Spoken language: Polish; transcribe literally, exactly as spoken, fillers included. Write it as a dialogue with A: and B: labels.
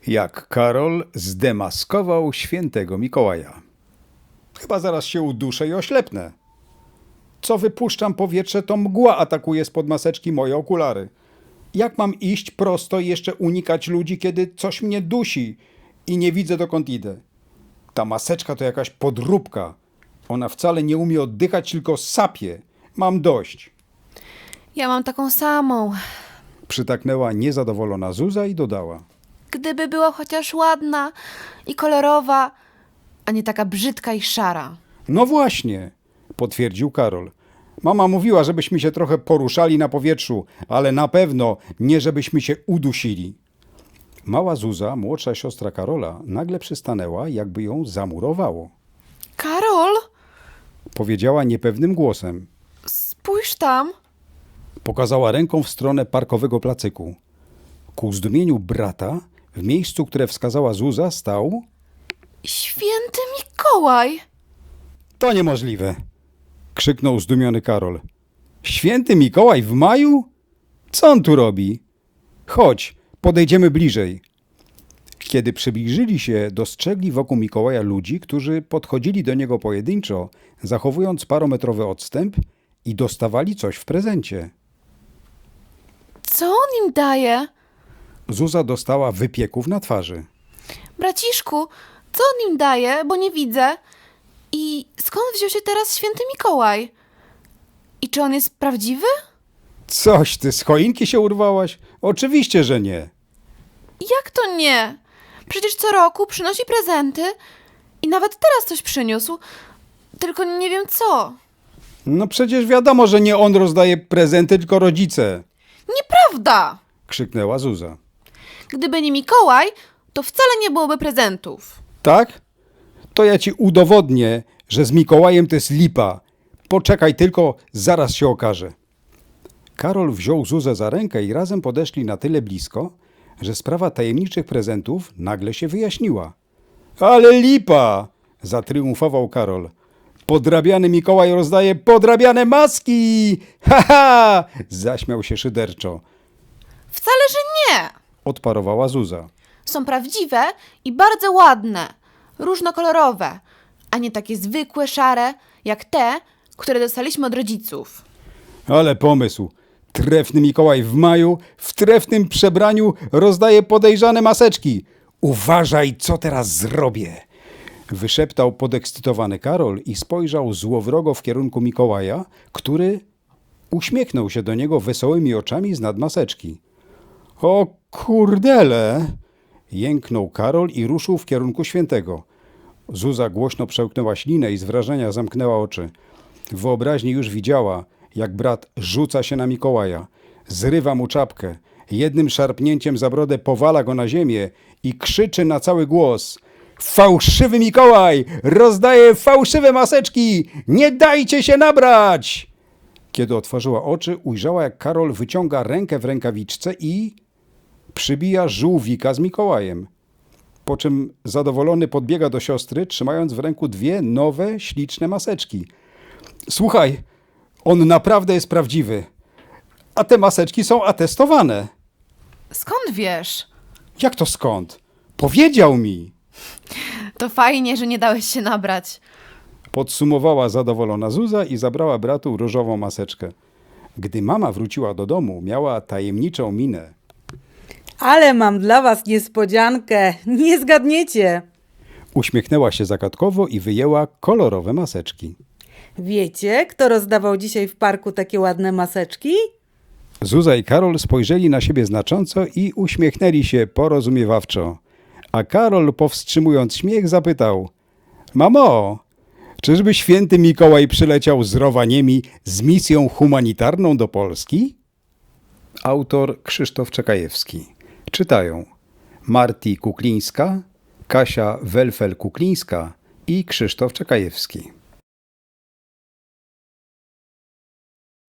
A: Jak Karol zdemaskował świętego Mikołaja. Chyba zaraz się uduszę i oślepnę. Co wypuszczam powietrze, to mgła atakuje spod maseczki moje okulary. Jak mam iść prosto i jeszcze unikać ludzi, kiedy coś mnie dusi i nie widzę, dokąd idę? Ta maseczka to jakaś podróbka. Ona wcale nie umie oddychać, tylko sapie. Mam dość.
B: Ja mam taką samą.
A: Przytaknęła niezadowolona Zuza i dodała.
B: Gdyby była chociaż ładna i kolorowa, a nie taka brzydka i szara.
A: No właśnie, potwierdził Karol. Mama mówiła, żebyśmy się trochę poruszali na powietrzu, ale na pewno nie żebyśmy się udusili. Mała Zuza, młodsza siostra Karola, nagle przystanęła, jakby ją zamurowało.
B: Karol,
A: Powiedziała niepewnym głosem.
B: spójrz tam.
A: Pokazała ręką w stronę parkowego placyku. Ku zdumieniu brata, w miejscu, które wskazała Zuza, stał...
B: Święty Mikołaj.
A: To niemożliwe! Krzyknął zdumiony Karol. Święty Mikołaj w maju? Co on tu robi? Chodź, podejdziemy bliżej. Kiedy przybliżyli się, dostrzegli wokół Mikołaja ludzi, którzy podchodzili do niego pojedynczo, zachowując parometrowy odstęp i dostawali coś w prezencie.
B: Co on im daje?
A: Zuza dostała wypieków na twarzy.
B: Braciszku, co on im daje, bo nie widzę? I skąd wziął się teraz święty Mikołaj? I czy on jest prawdziwy?
A: Coś, ty z choinki się urwałaś? Oczywiście, że nie.
B: Jak to nie? Przecież co roku przynosi prezenty i nawet teraz coś przyniósł. Tylko nie wiem co.
A: No przecież wiadomo, że nie on rozdaje prezenty, tylko rodzice,
B: Nieprawda!
A: krzyknęła Zuza.
B: Gdyby nie Mikołaj, to wcale nie byłoby prezentów.
A: Tak? To ja ci udowodnię, że z Mikołajem to jest lipa. Poczekaj tylko, zaraz się okaże. Karol wziął Zuzę za rękę i razem podeszli na tyle blisko, że sprawa tajemniczych prezentów nagle się wyjaśniła. Ale lipa! Zatriumfował Karol. Podrabiany Mikołaj rozdaje podrabiane maski! Ha, ha! Zaśmiał się szyderczo.
B: Wcale, że nie!
A: Odparowała Zuza.
B: Są prawdziwe i bardzo ładne, różnokolorowe, a nie takie zwykłe, szare, jak te, które dostaliśmy od rodziców.
A: Ale pomysł. Trefny Mikołaj w maju w trefnym przebraniu rozdaje podejrzane maseczki. Uważaj, co teraz zrobię. Wyszeptał podekscytowany Karol i spojrzał złowrogo w kierunku Mikołaja, który uśmiechnął się do niego wesołymi oczami znad maseczki. O kurdele! Jęknął Karol i ruszył w kierunku świętego. Zuza głośno przełknęła ślinę i z wrażenia zamknęła oczy. W wyobraźni już widziała, jak brat rzuca się na Mikołaja, zrywa mu czapkę, jednym szarpnięciem za brodę powala go na ziemię i krzyczy na cały głos: Fałszywy Mikołaj! Rozdaje fałszywe maseczki! Nie dajcie się nabrać! Kiedy otworzyła oczy, ujrzała, jak Karol wyciąga rękę w rękawiczce i przybija żółwika z Mikołajem. Po czym zadowolony podbiega do siostry, trzymając w ręku dwie nowe, śliczne maseczki. Słuchaj, on naprawdę jest prawdziwy. A te maseczki są atestowane.
B: Skąd wiesz?
A: Jak to skąd? Powiedział mi.
B: To fajnie, że nie dałeś się nabrać.
A: Podsumowała zadowolona Zuza i zabrała bratu różową maseczkę. Gdy mama wróciła do domu, miała tajemniczą minę.
C: Ale mam dla was niespodziankę. Nie zgadniecie.
A: Uśmiechnęła się zagadkowo i wyjęła kolorowe maseczki.
C: Wiecie, kto rozdawał dzisiaj w parku takie ładne maseczki?
A: Zuza i Karol spojrzeli na siebie znacząco i uśmiechnęli się porozumiewawczo. A Karol, powstrzymując śmiech, zapytał: Mamo, czyżby święty Mikołaj przyleciał z Rowaniemi z misją humanitarną do Polski? Autor Krzysztof Czekajewski. Czytają Marti Kuklińska, Kasia Welfel-Kuklińska i Krzysztof Czekajewski.